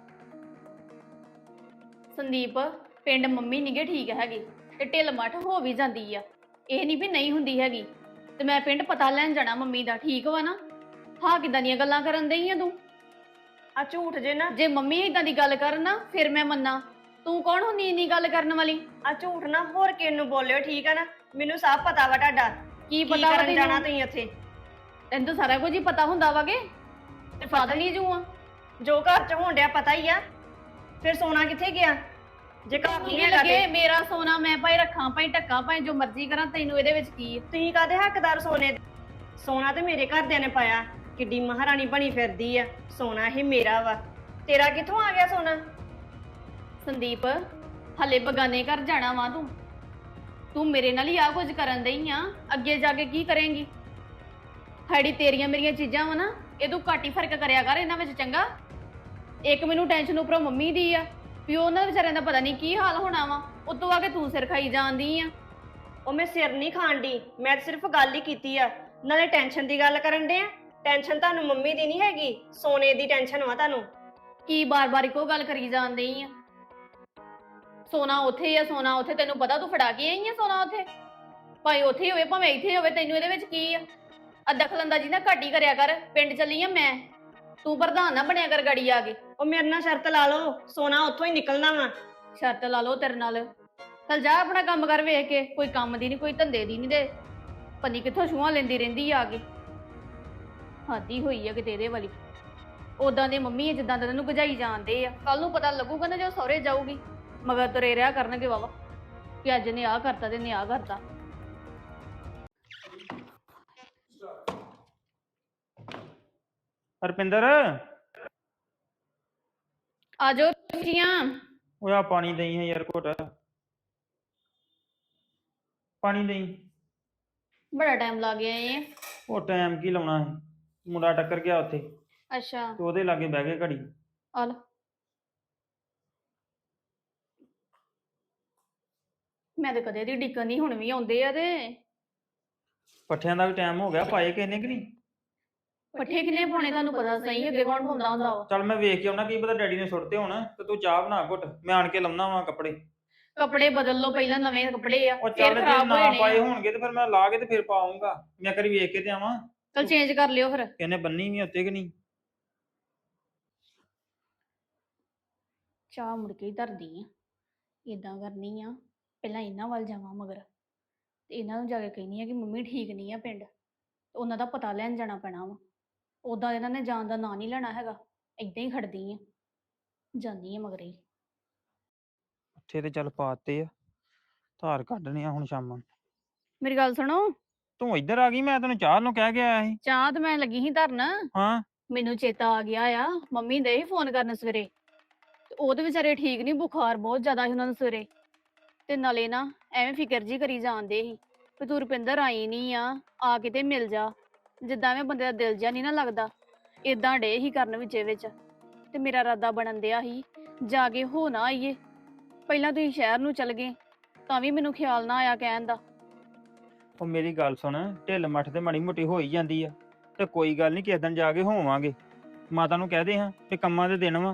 A: ਸੰਦੀਪ ਪਿੰਡ ਮੰਮੀ ਨੀਗੇ ਠੀਕ ਹੈਗੀ, ਤੇ ਢਿੱਲ ਮੱਠ ਹੋ ਵੀ ਜਾਂਦੀ ਆ, ਇਹ ਨਹੀਂ ਵੀ ਨਹੀਂ ਹੁੰਦੀ ਹੈਗੀ। ਤੇ ਮੈਂ ਪਿੰਡ ਪਤਾ ਲੈਣ ਜਾਣਾ ਮੰਮੀ ਦਾ, ਠੀਕ ਵਾ ਨਾ? ਹਾਂ ਕਿੱਦਾਂ ਦੀਆਂ ਗੱਲਾਂ ਕਰਨ ਦਈ ਆ ਤੂੰ?
D: ਆ ਝੂਠ ਜੇ ਨਾ,
A: ਜੇ ਮੰਮੀ ਇਦਾਂ ਦੀ ਗੱਲ ਕਰਨ ਨਾ ਫਿਰ ਮੈਂ ਮੰਨਾਂ। ਤੂੰ ਕੌਣ ਹੁੰਦੀ ਇੰਨੀ ਗੱਲ ਕਰਨ ਵਾਲੀ?
D: ਆ ਝੂਠ ਨਾ ਹੋਰ ਕਿਸ ਨੂੰ ਬੋਲਿਓ, ਠੀਕ ਆ ਨਾ? ਮੈਨੂੰ ਸਭ ਪਤਾ ਵਾ ਤੁਹਾਡਾ
A: ਕੀ
D: ਕੀ
A: ਪਤਾ ਵਾ
D: ਕਰਨ ਜਾਣਾ
A: ਤੈਨੂੰ?
D: ਤੁਸੀਂ ਉੱਥੇ।
A: ਤੈਨੂੰ ਤਾਂ ਸਾਰਾ ਕੁਝ ਹੀ ਪਤਾ ਹੁੰਦਾ ਵਾਗੇ, ਤੇ ਫਾਦਰ ਨਹੀਂ ਜੂ ਆ।
D: ਜੋ ਘਰ 'ਚ ਹੋਣ ਡਿਆ ਪਤਾ ਹੀ ਆ, ਫਿਰ ਸੋਨਾ ਕਿੱਥੇ ਗਿਆ ਜੇ ਘਰ ਨਹੀਂ
A: ਨਹੀਂ
D: ਹੈਗਾ
A: ਲੱਗੇ
D: ਤੇ?
A: ਮੇਰਾ ਸੋਨਾ ਮੈਂ ਭਾਈ ਰੱਖਾਂ ਭਾਈ ਢੱਕਾਂ ਭਾਈ ਜੋ ਮਰਜ਼ੀ ਕਰਾਂ, ਤੈਨੂੰ ਇਹਦੇ ਵਿੱਚ ਕੀ ਆ?
D: ਤੁਸੀਂ ਕਾਹਦੇ ਹੱਕਦਾਰ ਸੋਨੇ ਦੇ? ਸੋਨਾ ਤੇ ਮੇਰੇ ਘਰਦਿਆਂ ਨੇ ਪਾਇਆ, ਕਿੱਡੀ ਮਹਾਰਾਣੀ ਬਣੀ ਫਿਰਦੀ ਆ। ਸੋਨਾ ਇਹ ਮੇਰਾ ਵਾ, ਤੇਰਾ ਕਿੱਥੋਂ ਆ ਗਿਆ ਸੋਨਾ?
A: ਸੰਦੀਪ ਹਲੇ ਬਗਾਨੇ ਘਰ ਜਾਣਾ ਵਾ ਤੂੰ ਤੂੰ ਮੇਰੇ ਨਾਲ ਹੀ ਆ ਕੁਝ ਕਰਨ ਦਈ ਆ, ਅੱਗੇ ਜਾ ਕੇ ਕੀ ਕਰੇਂਗੀ? ਹਾੜੀ ਤੇਰੀਆਂ ਮੇਰੀਆਂ ਚੀਜ਼ਾਂ ਵਾ ਨਾ, ਇਹ ਤੂੰ ਘੱਟ ਹੀ ਫਰਕ ਕਰਿਆ ਕਰ ਇਹਨਾਂ ਵਿੱਚ, ਚੰਗਾ? ਇੱਕ ਮੈਨੂੰ ਟੈਨਸ਼ਨ ਉੱਪਰੋਂ ਮੰਮੀ ਦੀ ਆ ਵੀ ਉਹਨਾਂ ਵਿਚਾਰਿਆਂ ਦਾ ਪਤਾ ਨਹੀਂ ਕੀ ਹਾਲ ਹੋਣਾ ਵਾ, ਉਤੋਂ ਆ ਕੇ ਤੂੰ ਸਿਰ ਖਾਈ ਜਾਂਦੀ ਆ।
D: ਉਹ ਮੈਂ ਸਿਰ ਨਹੀਂ ਖਾਣ ਦੀ, ਮੈਂ ਤਾਂ ਸਿਰਫ ਗੱਲ ਹੀ ਕੀਤੀ ਆ। ਨਾਲੇ ਟੈਨਸ਼ਨ ਦੀ ਗੱਲ ਕਰਨ ਦੇ ਆ, ਟੈਨਸ਼ਨ ਤੁਹਾਨੂੰ ਮੰਮੀ ਦੀ ਨਹੀਂ ਹੈਗੀ, ਸੋਨੇ ਦੀ ਟੈਨਸ਼ਨ ਵਾ ਤੁਹਾਨੂੰ।
A: ਕੀ ਬਾਰ-ਬਾਰ ਇੱਕੋ ਗੱਲ ਕਰੀ ਜਾਂਦੀ ਆ? ਸੋਨਾ ਉੱਥੇ ਆ, ਸੋਨਾ ਉੱਥੇ, ਤੈਨੂੰ ਪਤਾ ਤੂੰ ਫੜਾ ਕੇ ਆਈ ਆ ਸੋਨਾ ਉੱਥੇ, ਭਾਵੇਂ ਉੱਥੇ ਹੀ ਹੋਵੇ ਭਾਵੇਂ ਇੱਥੇ ਹੋਵੇ, ਤੈਨੂੰ ਇਹਦੇ ਵਿੱਚ ਕੀ ਆ? ਆ ਦਖਲਅੰਦਾਜ਼ੀ ਨਾ ਘੱਟ ਹੀ ਕਰਿਆ ਕਰ, ਪਿੰਡ ਚੱਲੀ ਆ ਮੈਂ, ਤੂੰ ਪ੍ਰਧਾਨ ਨਾ ਬਣਿਆ ਕਰ ਗਾੜੀ ਆ ਕੇ।
D: ਉਹ ਮੇਰੇ ਨਾਲ ਸ਼ਰਤ ਲਾ ਲਓ, ਸੋਨਾ ਉੱਥੋਂ ਹੀ ਨਿਕਲਣਾ ਵਾ।
A: ਸ਼ਰਤ ਲਾ ਲਓ ਤੇਰੇ ਨਾਲ? ਚੱਲ ਜਾ ਆਪਣਾ ਕੰਮ ਕਰ, ਵੇਖ ਕੇ ਕੋਈ ਕੰਮ ਦੀ ਨਹੀਂ ਕੋਈ ਧੰਦੇ ਦੀ ਨਹੀਂ, ਤੇ ਪੰਨੀ ਕਿੱਥੋਂ ਛੂਹਾਂ ਲੈਂਦੀ ਰਹਿੰਦੀ ਆ ਕੇ। ਹਾਦੀ ਹੋਈ ਆ ਕਿਤੇ ਇਹਦੇ ਵਾਲੀ। ਉਦਾਂ ਦੇ ਮੰਮੀ ਆ ਜਿੱਦਾਂ ਦਾ ਤੈਨੂੰ ਭਜਾਈ ਜਾਂਦੇ ਆ, ਕੱਲ ਨੂੰ ਪਤਾ ਲੱਗੂਗਾ ਨਾ ਜਦੋਂ ਸਹੁਰੇ ਜਾਊਗੀ, ਮਗਰ ਤੁਰੇ ਰਿਹਾ ਕਰਨਗੇ ਵਾਵਾ ਕਿ ਅੱਜ ਨੇ ਆਹ ਕਰਤਾ ਤੇ ਨੇ ਆਹ ਕਰਤਾ।
C: ਹਰਪਿੰਦਰ
A: ਆ ਜਾਓ ਜੀਆਂ।
C: ਉਹ ਆ ਪਾਣੀ ਦੇਈ ਹੈ ਯਾਰ ਘੁੱਟ, ਪਾਣੀ ਦੇਈ।
A: ਬੜਾ ਟਾਈਮ ਲੱਗ ਗਿਆ ਏ।
C: ਉਹ ਟਾਈਮ ਕੀ ਲਾਉਣਾ ਹੈ, ਮੁੰਡਾ ਟੱਕਰ ਗਿਆ ਉੱਥੇ
A: ਅੱਛਾ
C: ਤੇ ਉਹਦੇ ਲਾਗੇ ਬਹਿ ਗਏ ਘੜੀ।
A: ਆ ਲੋ। ਮੈਂ ਤੇ ਕਦੇ ਦੀ ਡਿੱਕਣ ਨਹੀਂ, ਹੁਣ ਵੀ ਆਉਂਦੇ ਆ ਤੇ
C: ਪੱਠਿਆਂ ਦਾ ਵੀ ਟਾਈਮ ਹੋ ਗਿਆ, ਪਾਏ ਕਿਸੇ ਨੇ ਕਿ ਨਹੀਂ?
A: ਪੱਠੇ ਕਿੰਨੇ ਪਾਉਣੇ ਤੁਹਾਨੂੰ ਪਤਾ ਸਹੀ, ਅੱਗੇ ਕੌਣ ਪਾਉਂਦਾ ਹੁੰਦਾ ਵਾ?
C: ਚੱਲ ਮੈਂ ਵੇਖ ਕੇ ਆਉਣਾ, ਕੀ ਪਤਾ ਡੈਡੀ ਨੇ ਸੁੱਟਤੇ ਹੋਣ, ਤੇ ਤੂੰ ਚਾਹ ਬਣਾ ਘੁੱਟ, ਮੈਂ ਆਣ ਕੇ ਲਾਉਣਾ ਵਾ ਕੱਪੜੇ।
A: ਕੱਪੜੇ ਬਦਲ ਲਓ ਪਹਿਲਾਂ, ਨਵੇਂ ਕੱਪੜੇ ਆ
C: ਉਹ
A: ਫਿਰ
C: ਚੱਲ ਜੇ
A: ਖਰਾਬ
C: ਨਾ
A: ਹੋਏ
C: ਪਾਏ
A: ਨੇ।
C: ਹੋਣਗੇ ਤੇ ਫਿਰ ਮੈਂ ਲਾ ਕੇ ਤੇ ਫਿਰ ਪਾਉਂਗਾ, ਮੈਂ ਕਰੀ ਵੇਖ ਕੇ ਤੇ ਆਵਾਂ
A: ਚਲ ਚੇਂਜ ਕਰ ਲਿਓ ਫਿਰ।
C: ਕਿਹਨੇ ਬੰਨੀ ਵੀ ਉੱਤੇ ਕਿ ਨਹੀਂ।
A: ਚਾਹ ਮੁੜ ਕੇ ਹੀ ਧਰਦੀ ਆ, ਇਦਾਂ ਕਰਨੀ ਆ, ਪਹਿਲਾਂ ਇਹਨਾਂ ਵੱਲ ਜਾਵਾਂ ਮਗਰ, ਤੇ ਇਹਨਾਂ ਨੂੰ ਜਾ ਕੇ ਕਹਿਨੀ ਆ ਕਿ ਮੰਮੀ ਠੀਕ ਨਹੀਂ ਆ ਪਿੰਡ, ਤੇ ਉਹਨਾਂ ਦਾ ਪਤਾ ਲੈਣ ਜਾਣਾ ਪੈਣਾ ਵਾ। ਉਦਾਂ ਇਹਨਾਂ ਨੇ ਜਾਣ ਦਾ ਨਾਂ ਨਹੀਂ ਲੈਣਾ ਹੈਗਾ, ਏਦਾਂ ਹੀ ਖੜਦੀ ਆ, ਜਾਂਦੀ ਆ ਮਗਰ ਹੀ।
C: ਪੱਠੇ ਤੇ ਚੱਲ ਪਾਤੇ ਆ, ਧਾਰ ਕੱਢਣੇ ਆ ਹੁਣ ਸ਼ਾਮਾਂ ਨੂੰ।
A: ਮੇਰੀ ਗੱਲ ਸੁਣੋ।
C: ਤੂੰ ਇੱਧਰ ਆ ਗਈ, ਮੈਂ ਤੈਨੂੰ ਚਾਹ ਨੂੰ ਕਹਿ ਕੇ ਆਇਆ ਸੀ।
A: ਚਾਹ ਤੇ ਮੈਂ ਲੱਗੀ ਸੀ ਧਰਨ,
C: ਹਾਂ
A: ਮੈਨੂੰ ਚੇਤਾ ਆ ਗਿਆ ਆ, ਮੰਮੀ ਦੇ ਹੀ ਫੋਨ ਕਰਨ ਸਵੇਰੇ, ਤੇ ਉਹਦੇ ਵਿਚਾਰੇ ਠੀਕ ਨਹੀਂ, ਬੁਖਾਰ ਬਹੁਤ ਜ਼ਿਆਦਾ ਸੀ ਉਹਨਾਂ ਨੂੰ ਸਵੇਰੇ, ਤੇ ਨਾਲੇ ਨਾ ਐਵੇਂ ਫਿਕਰ ਜੀ ਕਰੀ ਜਾਂਦੇ ਸੀ ਵੀ ਤੂੰ ਰੁਪਿੰਦਰ ਆਈ ਨਹੀਂ ਆ, ਆ ਕੇ ਤੇ ਮਿਲ ਜਾ। ਜਿੱਦਾਂ ਐਵੇਂ ਬੰਦੇ ਦਾ ਦਿਲ ਜਿਹਾ ਨਹੀਂ ਨਾ ਲੱਗਦਾ, ਇਦਾਂ ਡੇ ਹੀ ਕਰਨ ਵਿੱਚੇ ਵਿੱਚ। ਤੇ ਮੇਰਾ ਇਰਾਦਾ ਬਣਨ ਦਿਆ ਸੀ ਜਾ ਕੇ ਹੋ ਨਾ ਆਈਏ, ਪਹਿਲਾਂ ਤੁਸੀਂ ਸ਼ਹਿਰ ਨੂੰ ਚਲ ਗਏ ਤਾਂ ਵੀ ਮੈਨੂੰ ਖਿਆਲ ਨਾ ਆਇਆ ਕਹਿਣ ਦਾ।
C: ਉਹ ਮੇਰੀ ਗੱਲ ਸੁਣ, ਢਿੱਲ ਮੱਠ ਤੇ ਮਾੜੀ ਮੋਟੀ ਹੋ ਹੀ ਜਾਂਦੀ ਆ, ਤੇ ਕੋਈ ਗੱਲ ਨਹੀਂ, ਕਿਸੇ ਦਿਨ ਜਾ ਕੇ ਹੋਵਾਂਗੇ। ਮਾਤਾ ਨੂੰ ਕਹਦੇ ਹਾਂ ਕਿ ਕੰਮਾਂ ਦੇ ਦਿਨ ਵਾ,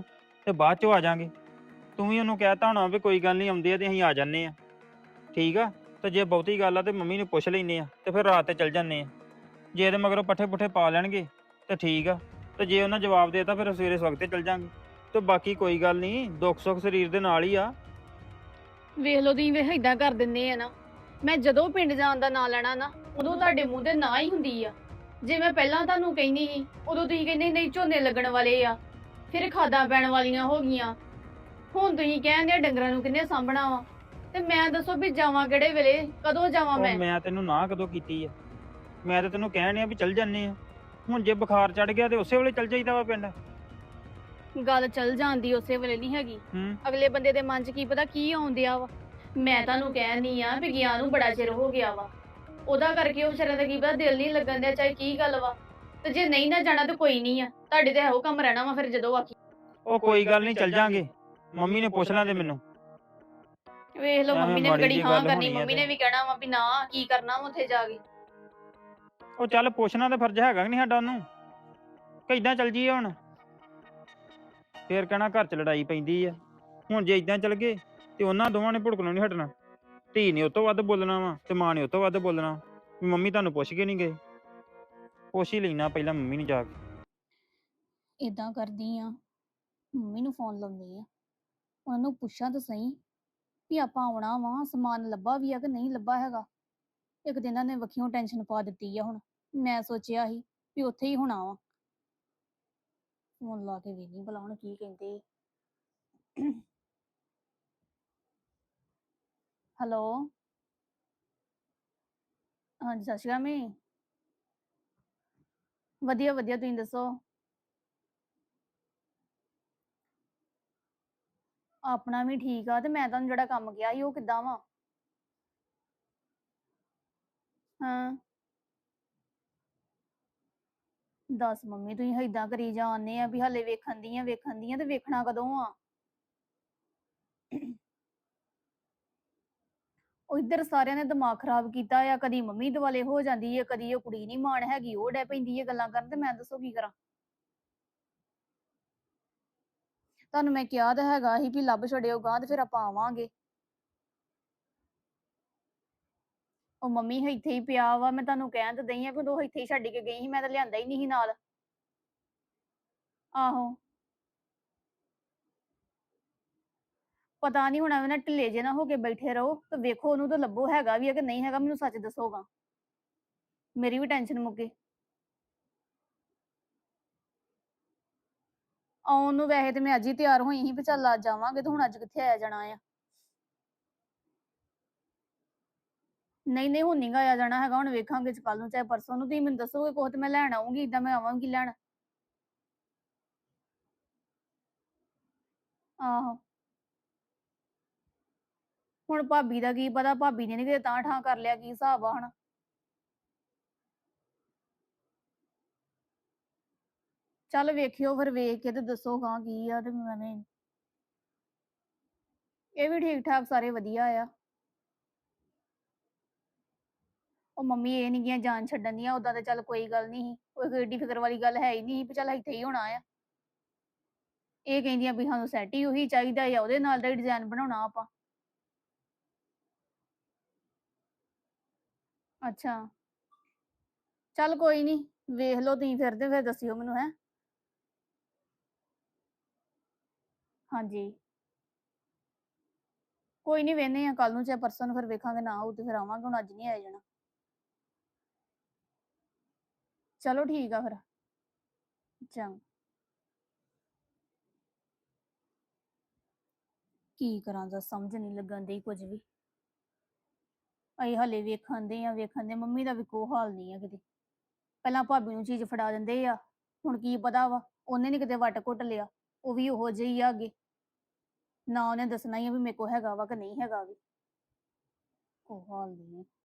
C: ਤੇ ਬਾਅਦ ਚੋਂ ਆ ਜਾਾਂਗੇ। ਤੂੰ ਵੀ ਉਹਨੂੰ ਕਹਿਤਾ ਹੋਣਾ ਵੀ ਕੋਈ ਗੱਲ ਨਹੀਂ, ਆਉਂਦੇ ਆ ਤੇ ਅਸੀਂ ਆ ਜਾਂਦੇ ਆ। ਠੀਕ ਆ। ਤੇ ਜੇ ਬਹੁਤੀ ਗੱਲ ਆ ਤੇ ਮੰਮੀ ਨੂੰ ਪੁੱਛ ਲੈਨੇ ਆ ਤੇ ਫਿਰ ਰਾਤ ਤੇ ਚੱਲ ਜਾਂਦੇ ਆ। ਜੇ ਇਹਦੇ ਮਗਰੋਂ ਪੱਠੇ ਪੁੱਠੇ ਪਾ ਲੈਣਗੇ ਤੇ ਠੀਕ ਆ, ਤੇ ਜੇ ਉਹਨਾਂ ਜਵਾਬ ਦੇਤਾ ਫਿਰ ਸਵੇਰੇ ਸਵਖਤੇ ਚੱਲ ਜਾਂਗੇ। ਤੇ ਬਾਕੀ ਕੋਈ ਗੱਲ ਨਹੀਂ, ਦੁੱਖ ਸੁੱਖ ਸਰੀਰ ਦੇ ਨਾਲ ਹੀ ਆ।
A: ਵੇਖ ਲਓ ਤੁਸੀਂ ਵੇਖ ਏਦਾਂ ਕਰ ਦਿੰਦੇ ਆ ਨਾ। ਮੈਂ ਜਦੋਂ ਪਿੰਡ ਜਾਣ ਦਾ ਨਾਂ ਲੈਣਾ ਨਾ, ਉਦੋਂ ਤੁਹਾਡੇ ਮੂੰਹ ਤੇ ਨਾ ਹੀ ਹੁੰਦੀ ਆ। ਜੇ ਮੈਂ ਪਹਿਲਾਂ ਤੁਹਾਨੂੰ ਕਹਿੰਦੀ ਸੀ, ਉਦੋਂ ਤੁਸੀਂ ਕਹਿੰਦੇ ਨਹੀਂ ਝੋਨੇ ਲੱਗਣ ਵਾਲੇ ਆ, ਫਿਰ ਖਾਦਾਂ ਪੈਣ ਵਾਲੀਆਂ ਹੋ ਗਈਆਂ। ਹੁਣ ਤੁਸੀਂ ਕਹਿੰਦੇ ਆ ਡੰਗਰਾਂ ਨੂੰ ਕਿੰਨੇ ਸਾਂਭਣਾ ਵਾ, ਤੇ ਮੈਂ ਦੱਸੋ ਵੀ ਜਾਵਾਂ ਕਿਹੜੇ ਵੇਲੇ, ਕਦੋਂ ਜਾਵਾਂ
C: ਉਹ
A: ਮੈਂ?
C: ਮੈਂ ਤੈਨੂੰ ਨਾ ਕਦੋਂ ਕੀਤੀ ਆ? ਮੈਂ ਤਾਂ ਤੈਨੂੰ ਕਹਿਣ ਆ ਵੀ ਚੱਲ ਜੰਨੇ ਆ। ਹੁਣ ਜੇ ਬੁਖਾਰ ਚੜ ਗਿਆ ਤੇ ਉਸੇ ਵੇਲੇ ਚੱਲ ਜਾਈਦਾ ਵਾ ਪਿੰਡ।
A: ਗੱਲ ਚੱਲ ਜਾਂਦੀ ਉਸੇ ਵੇਲੇ ਨਹੀਂ ਹੈਗੀ।
C: ਹੂੰ।
A: ਅਗਲੇ ਬੰਦੇ ਦੇ ਮਨ 'ਚ ਕੀ ਪਤਾ ਕੀ ਆਉਂਦਿਆ ਵਾ। ਮੈਂ ਤੁਹਾਨੂੰ ਕਹਿਣੀ ਆ ਵੀ ਗਿਆ ਨੂੰ ਬੜਾ ਚਿਰ ਹੋ ਗਿਆ ਵਾ, ਉਹਦਾ ਕਰਕੇ ਉਹ ਵਿਚਾਰੇ ਦਾ ਕੀ ਪਤਾ ਦਿਲ ਨਹੀਂ ਲੱਗਣ ਦਿਆ, ਚਾਹੇ ਕੀ ਗੱਲ ਵਾ। ਤੇ ਜੇ ਨਹੀਂ ਨਾ ਜਾਣਾ ਤਾਂ ਕੋਈ ਨਹੀਂ ਆ, ਤੁਹਾਡੇ ਤੇ ਇਹੋ ਕੰਮ ਰਹਿਣਾ ਵਾ ਫਿਰ ਜਦੋਂ ਆਖੀ।
C: ਉਹ ਕੋਈ ਗੱਲ ਨਹੀਂ, ਚੱਲ ਜਾਾਂਗੇ। ਮੰਮੀ ਨੇ ਪੁੱਛ ਲੈਂਦੇ ਮੈਨੂੰ।
A: ਵੇਖ ਲਓ
C: ਐਵੇਂ
A: ਮੰਮੀ ਨੇ ਵੀ
C: ਮਾੜੀ
A: ਗੜੀ
C: ਜਿਹੀ
A: ਹਾਂ
C: ਗੱਲ
A: ਕਰਨੀ,
C: ਹੋਣੀ ਆ
A: ਮੰਮੀ
C: ਤੇ।
A: ਨੇ ਵੀ ਕਹਿਣਾ ਵਾ ਵੀ ਨਾ ਕੀ ਕਰਨਾ ਵਾ ਉੱਥੇ ਜਾ ਕੇ।
C: ਉਹ ਚੱਲ ਪੁੱਛਣਾ ਤਾਂ ਫਰਜ਼ ਹੈਗਾ ਕਿ ਨਹੀਂ ਸਾਡਾ ਉਹਨੂੰ, ਕਿ ਇਦਾਂ ਚੱਲ ਜੀਏ ਹੁਣ? ਫੇਰ ਕਹਿਣਾ ਘਰ 'ਚ ਲੜਾਈ ਪੈਂਦੀ ਆ। ਹੁਣ ਜੇ ਇਦਾਂ ਚੱਲ ਗਏ ਤੇ ਉਹਨਾਂ ਦੋਵਾਂ ਨੇ ਭੁੜਕਣੋਂ ਨਹੀਂ ਹਟਣਾ। ਧੀ ਨੇ ਉਹ ਤੋਂ ਵੱਧ ਬੋਲਣਾ ਵਾ ਤੇ ਮਾਂ ਨੇ ਉਹ ਤੋਂ ਵੱਧ ਬੋਲਣਾ ਵੀ ਮੰਮੀ ਤੁਹਾਨੂੰ ਪੁੱਛ ਕੇ ਨਹੀਂ ਗਏ। ਪੁੱਛ ਹੀ ਲੈਣਾ ਪਹਿਲਾਂ ਮੰਮੀ ਨੂੰ ਜਾ ਕੇ।
A: ਇਦਾਂ ਕਰਦੀ ਆ, ਮੰਮੀ ਨੂੰ ਫੋਨ ਲਾਉਂਦੀ ਆ, ਉਹਨਾਂ ਨੂੰ ਪੁੱਛਾਂ ਤਾਂ ਸਹੀ ਵੀ ਆਪਾਂ ਆਉਣਾ ਵਾ, ਸਮਾਨ ਲੱਭਾ ਵੀ ਆ ਕਿ ਨਹੀਂ ਲੱਭਾ ਹੈਗਾ। ਇੱਕ ਦਿਨ ਇਹਨਾਂ ਨੇ ਵੱਖੀਓਂ ਟੈਨਸ਼ਨ ਪਾ ਦਿੱਤੀ ਆ। ਹੁਣ ਮੈਂ ਸੋਚਿਆ ਸੀ ਵੀ ਉੱਥੇ ਹੀ ਹੋਣਾ ਵਾ। ਫੋਨ ਲਾ ਕੇ ਵੇਖੀ ਭਲਾ ਹੁਣ ਕੀ ਕਹਿੰਦੇ। ਹੈਲੋ, ਹਾਂਜੀ ਸਤਿ ਸ਼੍ਰੀ ਅਕਾਲ ਮੰਮੀ। ਵਧੀਆ ਵਧੀਆ, ਤੁਸੀਂ ਦੱਸੋ? ਆਪਣਾ ਵੀ ਠੀਕ ਆ। ਤੇ ਮੈਂ ਤੁਹਾਨੂੰ ਜਿਹੜਾ ਕੰਮ ਕਿਹਾ ਸੀ ਉਹ ਕਿੱਦਾਂ ਵਾ? ਹਾਂ ਦੱਸ ਮੰਮੀ, ਤੁਸੀਂ ਏਦਾਂ ਕਰੀ ਜਾਂਦੇ ਆ ਵੀ ਹਾਲੇ ਵੇਖਣ ਦੀਆਂ ਵੇਖਣ ਦੀਆਂ, ਤੇ ਵੇਖਣਾ ਕਦੋਂ ਆ? ਉਹ ਇੱਧਰ ਸਾਰਿਆਂ ਨੇ ਦਿਮਾਗ ਖਰਾਬ ਕੀਤਾ ਆ। ਕਦੀ ਮੰਮੀ ਦੁਆਲੇ ਹੋ ਜਾਂਦੀ ਹੈ, ਕਦੀ ਉਹ ਕੁੜੀ ਨੀ ਮਾਣ ਹੈਗੀ ਉਹ ਡੈ ਪੈਂਦੀ ਹੈ ਗੱਲਾਂ ਕਰਨ, ਤੇ ਮੈਂ ਦੱਸੋ ਕੀ ਕਰਾਂ? ਤੁਹਾਨੂੰ ਮੈਂ ਕਿਹਾ ਤਾਂ ਹੈਗਾ ਸੀ ਵੀ ਲੱਭ ਛੜਿਓ ਗਾਂ ਤੇ ਫਿਰ ਆਪਾਂ ਆਵਾਂਗੇ। ਉਹ ਮੰਮੀ ਇੱਥੇ ਹੀ ਪਿਆ ਵਾ, ਮੈਂ ਤੁਹਾਨੂੰ ਕਹਿਣ ਤੇ ਦਈ ਆ ਕਿ ਉਹ ਇੱਥੇ ਹੀ ਛੱਡ ਕੇ ਗਈ ਸੀ, ਮੈਂ ਤਾਂ ਲਿਆਂਦਾ ਹੀ ਨਹੀਂ ਸੀ ਨਾਲ। ਆਹੋ ਪਤਾ ਨਹੀਂ ਹੁਣ ਐਵੇਂ ਨਾ ਢਿੱਲੇ ਜੇ ਨਾ ਹੋ ਕੇ ਬੈਠੇ ਰਹੋ, ਤੇ ਵੇਖੋ ਉਹਨੂੰ ਤਾਂ ਲੱਭੋ ਹੈਗਾ ਵੀ ਆ ਕਿ ਨਹੀਂ ਹੈਗਾ, ਮੈਨੂੰ ਸੱਚ ਦੱਸੋਗਾ, ਮੇਰੀ ਵੀ ਟੈਨਸ਼ਨ ਮੁੱਕੇ। ਆਉਣ ਨੂੰ ਵੈਸੇ ਤੇ ਮੈਂ ਅੱਜ ਹੀ ਤਿਆਰ ਹੋਈ ਸੀ ਵੀ ਚੱਲ ਅੱਜ ਜਾਵਾਂਗੇ, ਤੇ ਹੁਣ ਅੱਜ ਕਿੱਥੇ ਆਇਆ ਜਾਣਾ ਆ? ਨਹੀਂ ਨਹੀਂ ਹੁਣ ਨੀ ਗਾ ਆਇਆ ਜਾਣਾ ਹੈਗਾ, ਹੁਣ ਵੇਖਾਂਗੇ ਕੱਲ ਨੂੰ ਚਾਹੇ ਪਰਸੋਂ ਨੂੰ। ਤੁਸੀਂ ਮੈਨੂੰ ਦੱਸੋਗੇ ਕੁਛ ਤੇ ਮੈਂ ਲੈਣ ਆਉਂਗੀ, ਏਦਾਂ ਮੈਂ ਆਵਾਂਗੀ ਲੈਣ। ਆਹੋ ਹੁਣ ਭਾਬੀ ਦਾ ਕੀ ਪਤਾ, ਭਾਬੀ ਨੇ ਨੀ ਕਿਤੇ ਤਾਂ ਠਾਂ ਕਰ ਲਿਆ, ਕੀ ਹਿਸਾਬ ਆ ਹੁਣ। ਚੱਲ ਵੇਖਿਓ ਫਿਰ, ਵੇਖ ਕੇ ਤੇ ਦੱਸੋ ਗਾਂ ਕੀ ਆ। ਤੇ ਮੈਂ ਇਹ ਵੀ ਠੀਕ ਠਾਕ ਸਾਰੇ ਵਧੀਆ ਆ। ਉਹ ਮੰਮੀ ਇਹ ਨੀ ਗੀਆਂ ਜਾਨ ਛੱਡਣ ਦੀਆਂ, ਉਦਾਂ ਤੇ ਚੱਲ ਕੋਈ ਗੱਲ ਨਹੀਂ ਸੀ, ਕੋਈ ਏਡੀ ਫਿਕਰ ਵਾਲੀ ਗੱਲ ਹੈ ਹੀ ਨਹੀਂ ਵੀ ਚੱਲ ਇੱਥੇ ਹੀ ਹੋਣਾ ਆ। ਇਹ ਕਹਿੰਦੀਆਂ ਵੀ ਸਾਨੂੰ ਸੈੱਟ ਹੀ ਉਹੀ ਚਾਹੀਦਾ ਆ, ਉਹਦੇ ਨਾਲ ਦਾ ਹੀ ਡਿਜ਼ਾਈਨ ਬਣਾਉਣਾ ਆਪਾਂ। ਅੱਛਾ ਚੱਲ ਕੋਈ ਨਹੀਂ, ਵੇਖ ਲਓ ਤੁਸੀਂ ਫਿਰ, ਤੇ ਫਿਰ ਦੱਸਿਓ ਮੈਨੂੰ। ਹੈ ਹਾਂਜੀ ਕੋਈ ਨਹੀਂ, ਵੇਹਨੇ ਆ ਕੱਲ ਨੂੰ ਚਾਹੇ ਪਰਸੋਂ ਨੂੰ, ਫਿਰ ਵੇਖਾਂਗੇ ਨਾ ਹੋਊ ਤੇ ਫਿਰ ਆਵਾਂਗੇ, ਹੁਣ ਅੱਜ ਨਹੀਂ ਆਇਆ ਜਾਣਾ। ਚਲੋ ਠੀਕ ਆ ਫਿਰ, ਚੰਗਾ। ਕੀ ਕਰਾਂ ਦਾ ਸਮਝ ਨਹੀਂ ਲੱਗਣ ਦੀ ਕੁਝ ਵੀ। ਅਸੀਂ ਹਲੇ ਵੇਖਣ ਦੇ ਆ ਵੇਖਣ ਦੇ, ਮੰਮੀ ਦਾ ਵੀ ਕੋਈ ਹਾਲ ਨਹੀਂ ਆ ਕਿਤੇ। ਪਹਿਲਾਂ ਭਾਬੀ ਨੂੰ ਚੀਜ਼ ਫੜਾ ਦਿੰਦੇ ਆ, ਹੁਣ ਕੀ ਪਤਾ ਵਾ ਉਹਨੇ ਨੀ ਕਿਤੇ ਵੱਟ ਘੁੱਟ ਲਿਆ, ਉਹ ਵੀ ਉਹੋ ਜਿਹੀ ਆ ਅੱਗੇ। ਨਾ ਉਹਨੇ ਦੱਸਣਾ ਹੀ ਆ ਵੀ ਮੇਰੇ ਕੋਲ ਹੈਗਾ ਵਾ ਕਿ ਨਹੀਂ ਹੈਗਾ ਵੀ। ਕੋਈ ਹਾਲ ਨਹੀਂ।